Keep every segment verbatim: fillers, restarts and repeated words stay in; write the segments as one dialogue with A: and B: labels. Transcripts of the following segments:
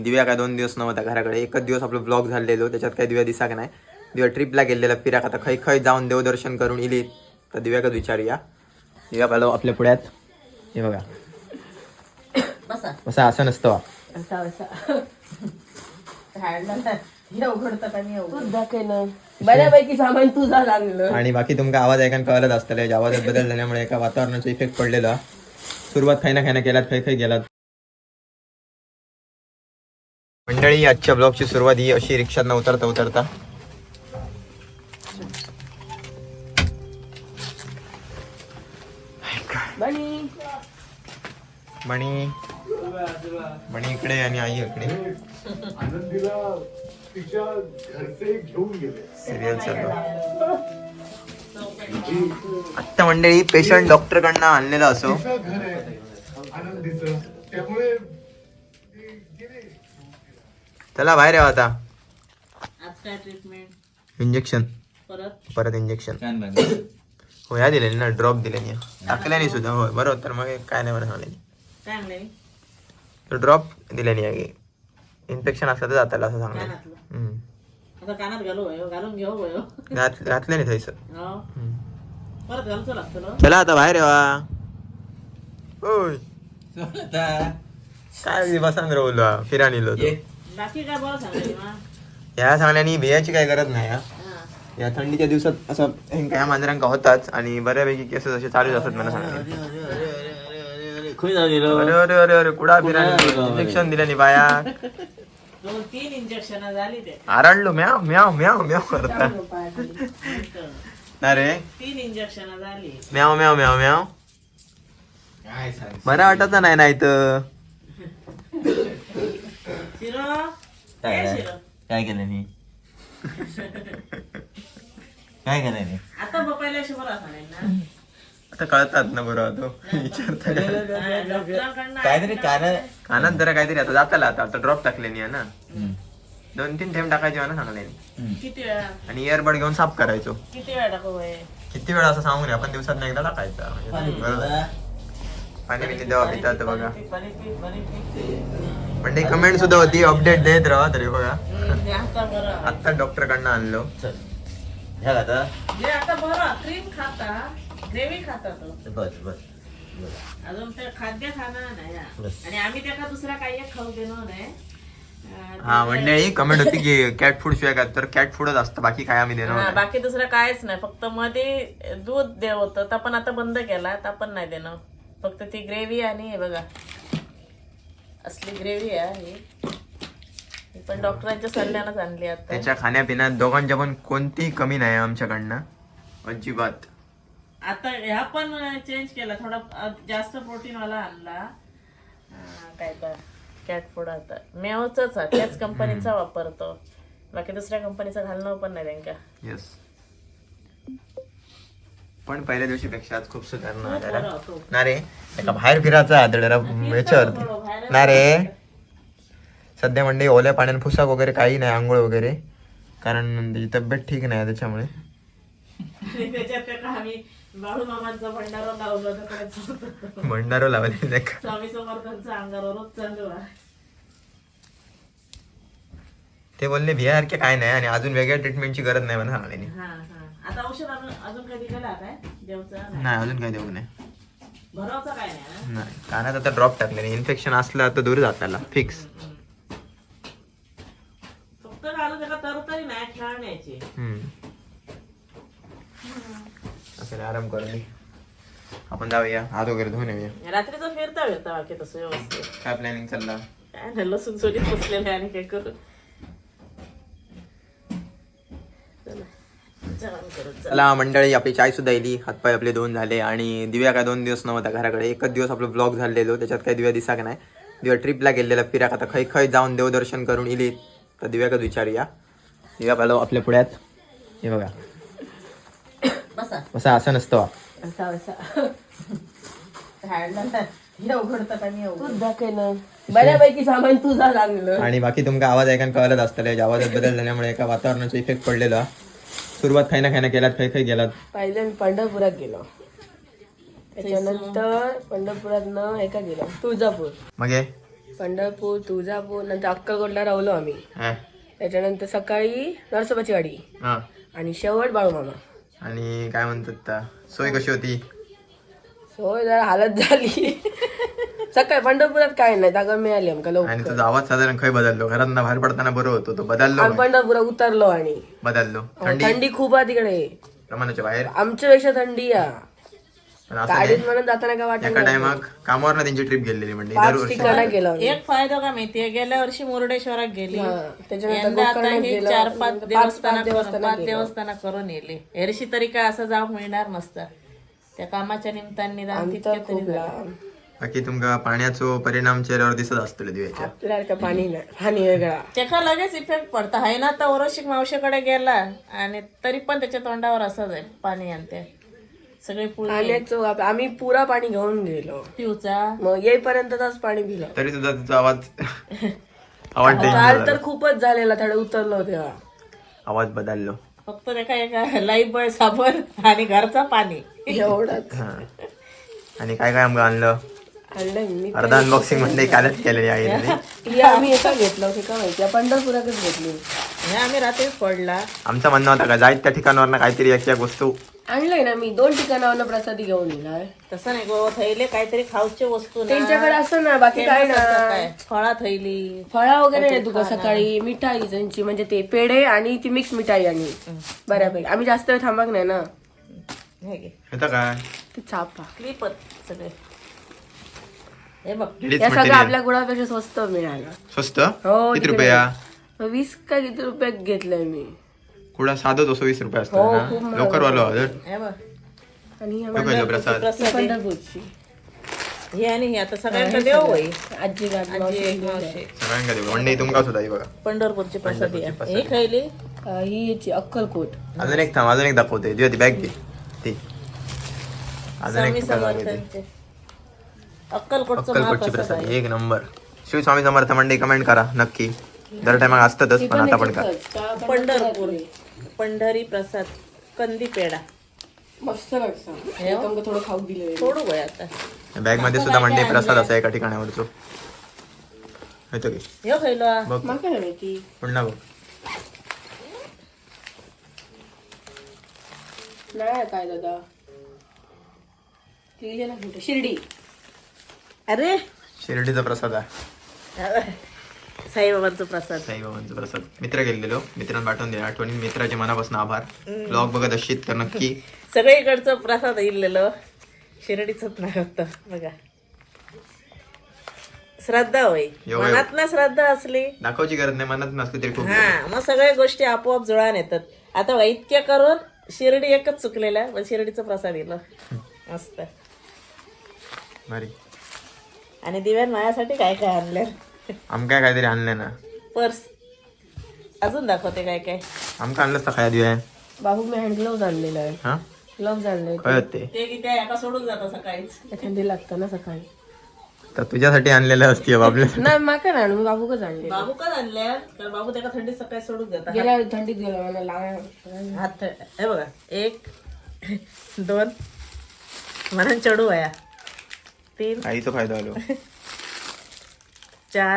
A: दिव्या काय दोन दिवस नव्हता घराकडे, एकच दिवस आपलं ब्लॉग झालेलो, त्याच्यात काही दिव्या दिसा का नाही. दिव्या ट्रिपला गेलेला फिराक, आता खै खै जाऊन देवदर्शन करून इली. तर दिव्याकच विचारूया. दिव्या पाहिलं आपल्या पुढ्यात हे बघा,
B: बसा
A: बसा. असं नसतं
B: बसा बसा बऱ्यापैकी सामान तुझा आणलं.
A: आणि बाकी तुमका आवाज ऐकायला कळत असतं, आवाजात बदल झाल्यामुळे एका वातावरणाचा इफेक्ट पडलेला. सुरुवात खायना खायना केलात, खै खै गेलात. मंडळी, आजच्या ब्लॉगची सुरुवात ही अशी रिक्षात न उतरता उतरता.
B: बनी
A: मणी मणी इकडे आणि आई इकडे.
C: आनंदीला तिच्या घरचे घेऊन गेले.
A: सिरियल चालू. आत्ता मंडळी पेशंट डॉक्टर कडनं आणलेला असो.
C: तिचं घर आहे आनंदीचं, त्यामुळे ते गेले.
A: चला बाहेर यावं आता.
B: आज काय ट्रीटमेंट
A: इंजेक्शन,
B: परत
A: परत इंजेक्शन. हो, या दिलेली ना, ड्रॉप दिलेली टाकल्याने सुद्धा. होय बरोबर. तर मग काय नाही बरं सांगले,
B: काय आणलंय
A: तर ड्रॉप दिल्याने आहे. इन्फेक्शन असलं तर जाताला असं सांगलं.
B: कानातलं आता कानात घालू वयो घालून घेऊ वयो
A: घातलं नाही थैस.
B: हो परत घालतो लागतं ना.
A: चला आता बाहेर यावा. होय काय बसान रवलो फिरा निलो तो.
B: बाकी काय बरं सांगायची मा.
A: या सांगल्यानी भियाची काय गरज नाही. हा, या थंडीच्या दिवसात असं काय मांजरांका होताच आणि बऱ्यापैकी केसेस असे चालूच असतात. मला सांगले अरे अरे अरे अरे कुडा फिरा इंजेक्शन दिल्याने बाया.
B: दोन तीन इंजेक्शन झाली ते.
A: आरडलो म्याव म्याव म्याव म्याव करता. अरे
B: तीन इंजेक्शन झाली.
A: म्याव म्याव म्याव म्याव. बरं वाटत नाही नाही तर.
B: शिरो काय शिरो
D: काय केलं मी काय केलं मी
B: आता बपायला शिवरा सांगेल ना.
A: आता कळतात ना बरोबर. तो विचारता
B: डॉक्टरांकडनं
D: काहीतरी कारण
A: कानात जरा काहीतरी आता जाताला. आता आता ड्रॉप टाकलेली आहे ना, दोन तीन थेंब टाकायचे ना सांगले.
B: किती वेळा
A: आणि इयरबड घेऊन साफ करायचो.
B: किती वेळा टाकू बाई.
A: किती वेळा असं सांगू नये आपण, दिवसात एकदा टाकायचा. म्हणजे बरोबर. पाणी पिणी देवा पितात बघा. म्हणजे कमेंट सुद्धा होती, अपडेट देत राहा तरी बघा.
B: आता बरं
A: आता डॉक्टर कडनं आणलो.
D: ह्या आता
B: जे आता बरं क्रीम खाता, ग्रेव्ही खाता तो.
D: बस बस
B: अजून ते खाद्य खाणार नाही हा. आणि आम्ही त्याला दुसरा काही एक खाऊ देणार नाही. अं,
A: हा मंडळी कमेंट होती की कॅट फूड शिवाय काय, तर कॅट फूडच असतं, बाकी काय आम्ही देणार
B: हा,
A: नाही.
B: बाकी दुसरं कायच नाही. फक्त मध्ये दूध देव होतं, तर पण आता बंद केला, तर पण नाही देणं. फक्त ती ग्रेव्ही आणि हे बघा असली ग्रेव्ही आहे ही. ही पण डॉक्टरांच्या सल्ल्यानंच आणली आता.
A: त्याच्या खाण्यापिण्यात दोघांच्या पण कोणतीही कमी नाही आमच्याकडनं, अजिबात.
B: आता ह्या पण चेंज केला, थोडा अ, जास्त प्रोटीन वाला आणला. अं, काय तर कॅट फूड आता मेवच त्याच कंपनीचा वापरतो. बाकी दुसऱ्या कंपनीचा घालणं पण नाही त्यांका.
A: येस, पण पहिल्या दिवशी पेक्षा आज खूप सुधारणा
B: खूप बरं
A: जरा.
B: होतो.
A: ना रे एका बाहेर फिरायचा जरा याच्यावरती ना रे. सध्या म्हणजे ओल्या पाण्याने फुसाक वगैरे काही नाही, आंघोळ वगैरे, कारण त्याची तब्येत ठीक नाही त्याच्यामुळे.
B: आणि त्याच्यात त्या आम्ही बाळू मामांचा भंडारा लावला तर
A: भंडारो लावले नाही का.
B: स्वामी समर्थांचा अंगावरच चालू आहे.
A: ते बोलले भियासारखे काय नाही आणि अजून वेगळ्या ट्रीटमेंटची गरज नाही मला सांगले.
B: हा हा आता औषध अजून अजून कधी गेला काय देवचा
A: नाही अजून काही देऊ नाही.
B: भरावचा काय नाही ना.
A: नाही कानात आता ड्रॉप टाकले, इन्फेक्शन असलं तर दूर जाताला फिक्स.
B: फक्त घालून त्याला तरतरी नाही खेळण्याची.
A: असं आराम करून आपण जाऊया, हात वगैरे धुवून येऊया.
B: रात्रीचं फिरता फिरता बाकी तसं व्यवस्थित.
A: काय प्लॅनिंग चालला?
B: काय नाही लसूण सोडीत बसलेले आणि काय करू. चला जेवण करू चला.
A: चला मंडळी, आपली चाय सुद्धा येली, हातपाय आपले दोन झाले. आणि दिव्या काय दोन दिवस नव्हता घराकडे, एकच दिवस आपलं ब्लॉग झालेलो, त्याच्यात काही दिव्या दिसा का नाही. दिव्या ट्रिपला गेलेला फिराक, आता खै खै जाऊन देवदर्शन करून इली. तर दिव्याकच विचारूया. दिव्या पाहिलं आपल्या पुढ्यात हे बघा,
B: बसा
A: बसा. असं नसतं.
B: बसा बसा बऱ्यापैकी सामान तुझा आणलं.
A: आणि बाकी तुमका आवाज ऐकायला कळत असतं, आवाजात बदल झाल्यामुळे एका वातावरणाचा इफेक्ट पडलेला. सुरुवात खायना खायना केलात, खै खै गेलात.
B: पहिले मी पंढरपुरात गेलो, त्याच्यानंतर पंढरपुरात न एका गेलो तुळजापूर.
A: मग
E: पंढरपूर तुळजापूर नंतर अक्कलकोटला राहिलो आम्ही.
A: हा.
E: त्याच्यानंतर सकाळी नरसोबाची वाडी
A: हा.
E: आणि शेवट बाळूमामा.
A: आणि काय म्हणतात ता सोय कशी होती?
E: सोय जरा हालत झाली. सकाळी पंढरपुरात काय नाही जागा मिळाली आमका
A: आणि
E: लवकर.
A: तुझा आवाज साधारण खय बदललो घरात बाहेर पडताना बरं होतो तो बदललो
E: आम्ही पंढरपुरात उतरलो आणि
A: बदललो
E: अहो,
A: थंडी
E: थंडी खूप आहे तिकडे.
A: प्रमाणाच्या बाहेर.
E: आमच्यापेक्षा थंडी आहे.
A: पण असं
E: गाडीत
A: नाही.
E: म्हणून जाताना काय वाटत
A: एका
E: नाही.
A: टायमाक कामावर ना त्यांची ट्रिप गेलेली म्हणजे
E: पाच
A: दरवर्षी
E: ठिकाणं गेलो आम्ही.
B: एक फायदा का माहितीये गेल्या वर्षी मुर्डेश्वरात गेली
E: हा, त्याच्यानंतर
B: यंदा आता
E: गोकर्णात
B: हे
E: गेलो.
B: चार पाच
E: पाच-
B: देवस्थान
E: पाच देवस्थानं
B: पाच
E: गेलो.
B: देवस्थान करून येले. हेरशी तरी काय असं जाऊ मिळणार नसतं त्या कामाच्या निमित्ताने जाऊन
E: आमचं
B: तितक्या तरी
E: खूप
B: झालं.
E: लांब.
A: बाकी तुमका पाण्याचो परिणाम चेहऱ्यावर दिसत असतो दिव्याच्या.
E: आपल्याला काय पाणी नाही, पाणी वेगळा.
B: त्याका लगेच इफेक्ट पडता हाय ना. आता ओरोशिक मावशीकडे गेला आणि तरी पण त्याच्या तोंडावर असंच आहे पाणी आणते सगळे पुढे
E: पाण्याचं आप- आम्ही पुरा पाणी घेऊन गेलो.
B: पिऊचा.
E: मग येईपर्यंतच पाणी पिलं.
A: तरी सुद्धा तुझा आवाज आवाज
E: काल
A: change
E: तर
A: झाला.
E: खूपच झालेला थोडं उतरलो तेव्हा.
A: आवाज बदललो.
B: फक्त त्याका एका लाईफ बॉय साबण आणि घरचा पाणी
E: एवढंच
A: हा. आणि काय काय आमका आणलं
E: आणलंय मी.
A: अर्धा अनबॉक्सिंग म्हणजे कालच केलेली आहे
E: हे आम्ही एका घेतलं होते का माहिती पंढरपुरातच घेतली.
B: हे आम्ही रात्रीच पडला.
A: आमचं म्हणणं होतं का जायत त्या ठिकाणावर काहीतरी एक एक वस्तू
E: आणलंय ना मी दोन ठिकाणावर प्रसादी घेऊन येणार.
B: तसं नाही गो थैले काहीतरी खाऊचे वस्तू ना.
E: त्यांच्याकडे असं ना बाकी काय
B: famous असतं
E: ना
B: काय फळा थैली
E: फळा वगैरे नाही तुका सकाळी मिठाई त्यांची म्हणजे ते पेढे आणि ती मिक्स मिठाई आणि बऱ्यापैकी आम्ही जास्त वेळ थांबक नाही ना.
B: हे घे
A: होतं काय
E: ते चापा
B: क्लिपच सगळे. हे बघ
A: लेडीज
E: या सगळं
A: मटेरियल
E: आपल्या गुळापेक्षा स्वस्त मिळालं.
A: स्वस्त
E: हो,
A: किती
E: तिकडे.
A: रुपया?
E: वीस का किती रुपयात घेतलंय मी.
A: कुडा साधं दोनशे वीस रुपये असतो
E: हो,
A: ना
E: खूप महाग
A: लवकर वालो हजर
B: हे बघ
E: आणि
A: तो पहिला प्रसाद
B: प्रसाद आहे.
E: पंढरपूरची
B: हे आणि हे आता सगळ्यांना देव होई.
E: आजी
B: आजी
E: गाडी
B: एक मावशी
A: सगळ्यांका देऊ वंडे तुमका सुद्धा ही बघा.
B: पंढरपूरची प्रसादी आहे.
A: पंढरपूरची
B: हे खायली
E: ही याची अक्कलकोट.
A: अजून एक थांब अजून एक दाखवते दिवा ती बॅग घे ती अजून
B: स्वामी
A: एक तुका दाखवते.
B: समर्थांचे अक्कलकोटचं
A: अक्कलकोटची
B: महाप्रसाद
A: प्रसाद
B: आहे.
A: एक नंबर. शिव स्वामी समर्थ मंडळी कमेंट करा नक्की. दर टायमाक असतातच पण आता पण करा.
B: पंढरपूर पंढरी प्रसाद कंदी पेढा
E: मस्त लागतं. हे तुमका थोडं खाऊ दिलं.
B: थोडं गोय आता
A: बॅग मध्ये सुद्धा मंडळी प्रसाद असा एका ठिकाणावरचो होतो की
B: हे खायलो हा.
A: बघ
E: माका नाही माहिती.
A: पुन्हा बघ
E: नाही काय दादा ती गेला कुठे? शिर्डी.
B: अरे
A: शिर्डीचा प्रसाद आहे
B: साईबाबांचा प्रसाद.
A: साईबाबांचा प्रसाद. मित्र गेलेलो मित्रांना पाठवून दिला आठवणी मित्राचे मनापासून आभार. ब्लॉग बघत असशील तर नक्की
B: सगळीकडचं प्रसाद इल्लेलं शिर्डीच नाही होत बघा. श्रद्धा होय
A: एवढं-
B: मनात ना श्रद्धा असली
A: दाखवायची गरज नाही मनात नसली तरी खूप
B: हा मग सगळ्या गोष्टी आपोआप जुळान येतात. आता बघा इतक्या करून शिर्डी एकच चुकलेला पण शिर्डीचा प्रसाद दिलं मस्त.
A: भारी.
B: आणि दिव्यान माझ्यासाठी काय काय आणलं
A: आमका काहीतरी आणलंय ना
B: पर्स अजून दाखवते काय काय.
A: आमका आणलंच तर खाया दिव्या
E: बाबू मी हँड ग्लोव्ह आणलेला आहे.
A: हा
E: ग्लोव्ह आणले.
A: कळत ते
B: ते की त्या एका सोडून जातं सकाळीच.
E: थंडी लागतं ना सकाळी.
A: तर तुझ्यासाठी आणलेलं असते बाबले.
E: नाही माका नाही आणू मी बाबूकच आणले.
B: बाबू का आणल्या कारण बाबू त्याला थंडी सकाळी सोडून जातात.
E: गेल्या वेळी थंडीत गेलो मला लाग
B: हात हे बघा एक दोन म्हणून चढू वया तीन
A: आईचा फायदा आलो.
B: चार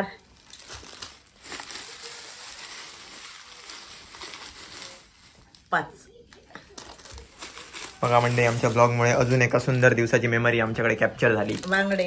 B: पाच.
A: बघा म्हणजे आमच्या ब्लॉगमुळे अजून एका सुंदर दिवसाची मेमरी आमच्याकडे कॅप्चर झाली.
B: बांगडे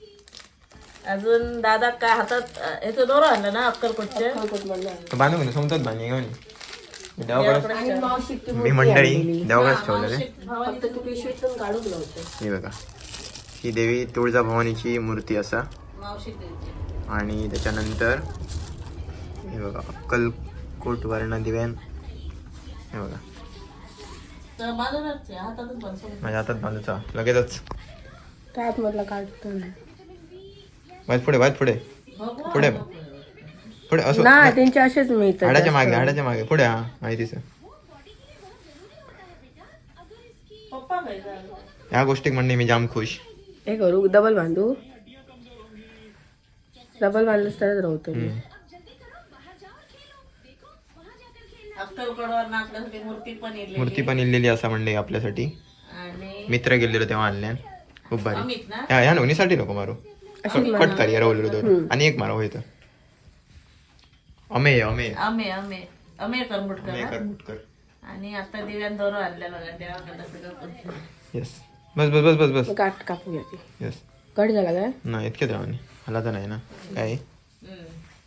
B: अजून दादा काय हातात याचं दोरं आणलं ना अक्कलकोटचे.
A: तर बांधू घेऊन समजत बांधणी घेऊन देवाकडे
E: आणि मावशी ती
A: मी मंडळी देवाकडेच ठेवलेले.
E: फक्त तू पिशवीतून काढून नव्हतं.
A: ही बघा ही देवी तुळजाभवानीची मूर्ती असा
B: मावशी द्यायची.
A: आणि त्याच्यानंतर हे बघा अक्कलकोट वर्ण दिव्यान हे बघा
B: तर बाजूलाच आहे, हातातच बांधून.
A: माझ्या हातात बांधूचा लगेचच.
E: काय मधला काढतो
A: वाईट पुढे वाईट पुढे
B: बघू.
A: पुढे पुढे असो
E: ना त्यांचे असेच मिळतात.
A: हाडाच्या मागे हाडाच्या मागे पुढे हा माहितीच.
B: पप्पा काय झालं?
A: या गोष्टीक म्हणणे मी जाम खुश.
E: हे करू डबल बांधू. डबल बांधलंच तरच राहतो मी.
B: अक्कलकोटवर ना आपल्यासाठी मूर्ती पण येईल.
A: मूर्ती पण इल्लेली असा म्हणणे आपल्यासाठी.
B: आणि
A: मित्र गेलेलो तेव्हा आणल्या खूप भारी.
B: अमित ना
A: ह्या ह्या नोनीसाठी नको मारू कट कर या रोल दोन आणि एक मारा होईल अमेय अमेय
B: अमे अमे अमे करमुटकर
A: अमेय
B: हा?
A: कर मुटकर
B: आणि आता दिव्यान दोरो आणल्या बघा देवाकडे सगळं पुढचं.
A: येस बस बस बस बस बस
E: काट कापू घ्या ती
A: येस
E: कट झाला काय
A: नाही इतके द्यावानी मला तर नाही ना काय
B: हम्म.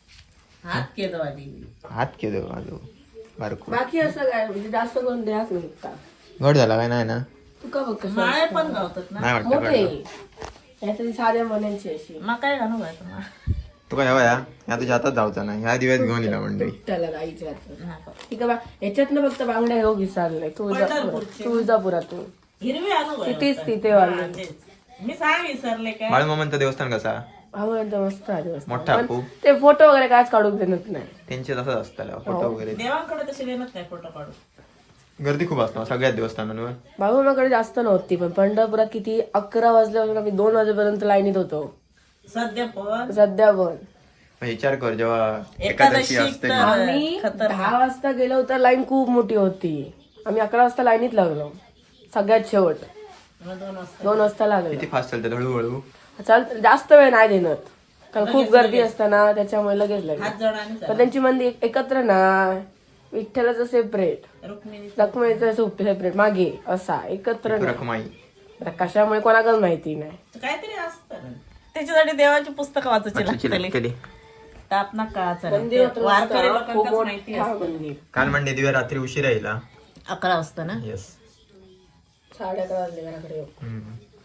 B: हात केलं आधी
A: हात केलं माझं बारको
E: बाकी असं काय म्हणजे जास्त करून द्याच नाही का
A: घट झाला काय नाही ना
E: तुका बघ कसं
B: माळे पण गावतात ना
A: नाही वाटतं
E: मोठे
A: घट
E: यातली साध्या मनांची अशी
B: मग काय घालू काय तुम्हाला
A: तू काय हवा या ह्या तुझ्या हातात जाऊचा ना ह्या दिव्यात घेऊन येला मंडळी
E: त्याला गाईच्या हातात ठीक आहे ह्याच्यातनं फक्त बांगड्या हे विसरलंय तुळजापुरात तुळजापुरातून
B: हिरवी आणू काय
E: तिथेच
B: होतं?
E: तिथे
B: हा,
E: वाढले
B: तेच. मी सांग विसरले काय
A: बाळमामांचं देवस्थान कसा
E: आवडतं मस्त आहे दिवस.
A: मोठा
E: पण
A: खूप
E: ते फोटो वगैरे कायच काढून देत नाही
A: त्यांचे तसंच असतं फोटो वगैरे
B: देवांकडे तसे देणच नाही फोटो काढून
A: गर्दी खूप असतं सगळ्याच देवस्थानांवर
E: बाळूमामाकडे जास्त नव्हती पण पंढरपुरात किती अकरा वाजल्यापासून आम्ही दोन वाजेपर्यंत लाईनीत होतो
B: सध्या पण
E: सध्या पण
A: मग विचार कर जेव्हा
B: एकादशी
A: एकादशी असते
B: तर-
E: आम्ही दहा वाजता गेलो तर लाईन खूप मोठी होती आम्ही अकरा वाजता लाईनीत लागलो सगळ्यात शेवट
B: मग दोन वाजता
E: दोन वाजता लागलो
A: किती फास्ट चालते हळूहळू
E: चाल जास्त वेळ नाही देणार कारण खूप गर्दी असताना त्याच्यामुळे लगेच लागेल
B: हात जोड आणि
E: पण त्यांची मंदी एक- एकत्र ना विठ्ठलाचं सेपरेट
B: रुक्मिणी
E: लक्ष्मीचं सेपरेट मागे असा एकत्र नाही.
A: रखमाई
E: आता कशामुळे कोणाकडे माहिती नाही
B: काहीतरी असतं ना. त्याच्यासाठी देवाची पुस्तकं वाचायची लागतली
A: केली
B: ताप ना काळाचा
E: मंदिर मात्र
B: वारकरी
E: मस्त, खूप
B: लोकांनाच माहिती
E: मोठा
B: असतं.
E: मंदिर
A: काल म्हणणे दिव्या रात्री उशिरा येईल
B: अकरा वाजता ना
A: येस
E: साडे अकरा वाजले घराकडे येऊ.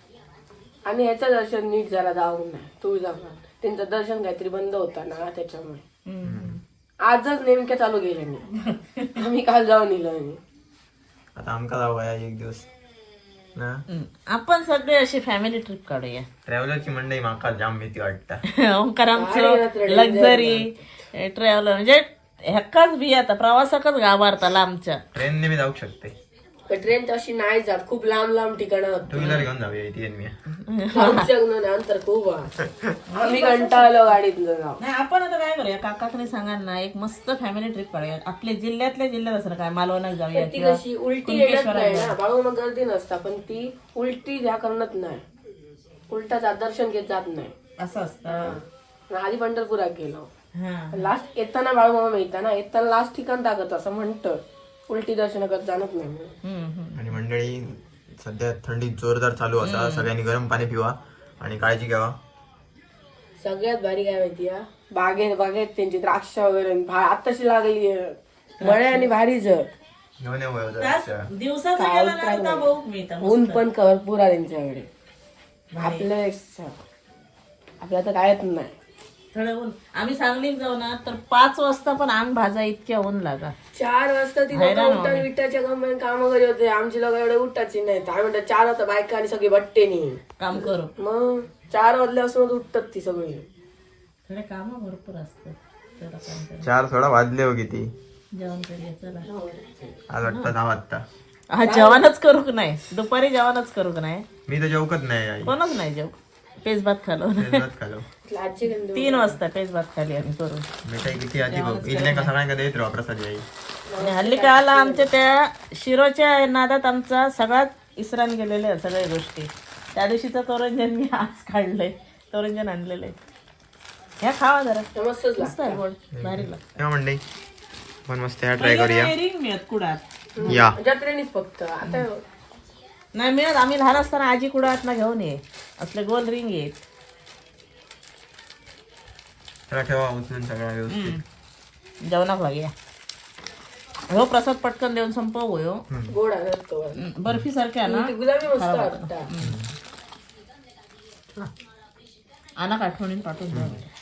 E: आणि ह्याचं दर्शन नीट जरा जाऊन नाही तुळजापुरात त्यांचं दर्शन काहीतरी बंद होता ना त्याच्यामुळे
B: हम्म.
E: आजच नेमक्या चालू गेले मी आम्ही काल जाऊन इलो आणि
A: आता आमका जाऊ या एक दिवस ना
B: हम्म. आपण सगळे अशी फॅमिली ट्रिप काढूया
A: ट्रॅव्हलरची मंडळी माका जाम भीती वाटतं
E: भारी
B: ओंकारामचं
E: रात्र
B: लक्झरी ट्रॅव्हलर म्हणजे ह्याकाच बी आता प्रवासाकच गाभारताला आमच्या
A: ट्रेनने मी जाऊ शकते
E: ट्रेन तशी नाही जात खूप लांब लांब ठिकाणं
A: टू व्हीलर घेऊन जाऊया इथे मी
E: आमच्या अंतर खूप आहे. आम्ही कंटाळलो गाडीत जाऊ
B: नाही आपण आता काय करूया काकाकडे सांगा ना एक मस्त फॅमिली ट्रिप काढूया आपल्या जिल्ह्यातल्या जिल्ह्यात असं काय मालवणात जाऊया
E: ती
B: किंवा
E: कशी उलटी येत नाही ना बाळू मग गर्दी नसता पण ती उलटी ह्या करत नाही उलटा जात दर्शन घेत जात नाही
B: असं असतं
E: आधी पंढरपुरात गेलो
B: हा
E: लास्ट येताना बाळूमामा मिळता ना येताना लास्ट ठिकाण टाकत असं म्हणतं उलटी दर्शन करत जाणत नाही
B: हम्म, हम्म.
A: आणि मंडळी सध्या थंडी जोरदार चालू असा सगळ्यांनी गरम पाणी पिवा आणि काळजी घ्यावा
E: सगळ्यात भारी काय माहिती आहे बागेत बागेत त्यांची द्राक्ष वगैरे भा- आताशी लागली मळे आणि भारी जर
A: घेऊन येऊ या
B: तास
A: जरा.
B: दिवसाचं गेलं ना आता भाऊ मिळतं
E: ऊन पण भरपूर आहे त्यांच्याकडे आपलं आपल्या तर कायच नाही
B: थोडं ऊन आम्ही सांगलीत जाऊ ना तर पाच वाजता पण अंग भाजा इतक्या ऊन लागा
E: चार वाजता ती लोक उठतात विटाच्या कंपनी काम वगैरे होते आमची लोक एवढे उठायची नाही आम्ही म्हणतात चार वाजता बायका आणि सगळी बट्टेनी
B: काम करू
E: मग चार वाजल्यापासून उठतात ती सगळी
B: थोडे काम भरपूर असतात जरा काम करू.
A: चार थोडा वाजले हो किती
B: जेवण करूया चला
A: आज वाटतं दहा वाजता
B: हा जेवणच करू का नाही दुपारी जेवणच करू का नाही
A: मी तर जेवकत नाही आई
B: कोणच नाही जेव पेज भात खालो
A: तेच खालो
E: आजी गंध
B: तीन वाजता पेज भात खाली आम्ही करून
A: मिठाई किती आधी बघ इथले का सगळ्यांका देत राहा प्रसाद आई
B: आणि हल्ली काला आमच्या त्या शिरोच्या नादात आमचा सगळ्यात इसरान गेलेले आहेत सगळ्या गोष्टी त्या दिवशीचं तोरंजन मी आज काढलंय तोरंजन आणलेलं आहे ह्या खावा जरा
E: मस्तच
B: मस्त आहे गोड भारी लागतं.
A: तेव्हा मंडळी पण मस्त ह्या ट्राय करूया
B: रिंग मिळत कुडात
A: या
E: जत्रेनीच फक्त आता
B: नाही मिळत आम्ही लहान असताना आजी कुडात ना घेऊन ये असले गोल रिंग येत
A: चला ठेवा उचलून सगळा व्यवस्थित
B: जेवणाक लागूया हो प्रसाद पटकन देऊन संपव हो
E: गोड आणतो
B: बर्फी सारख्या ना
E: गुलाबी मस्त वाटतात
B: आणा आठवणीन पाठवून द्या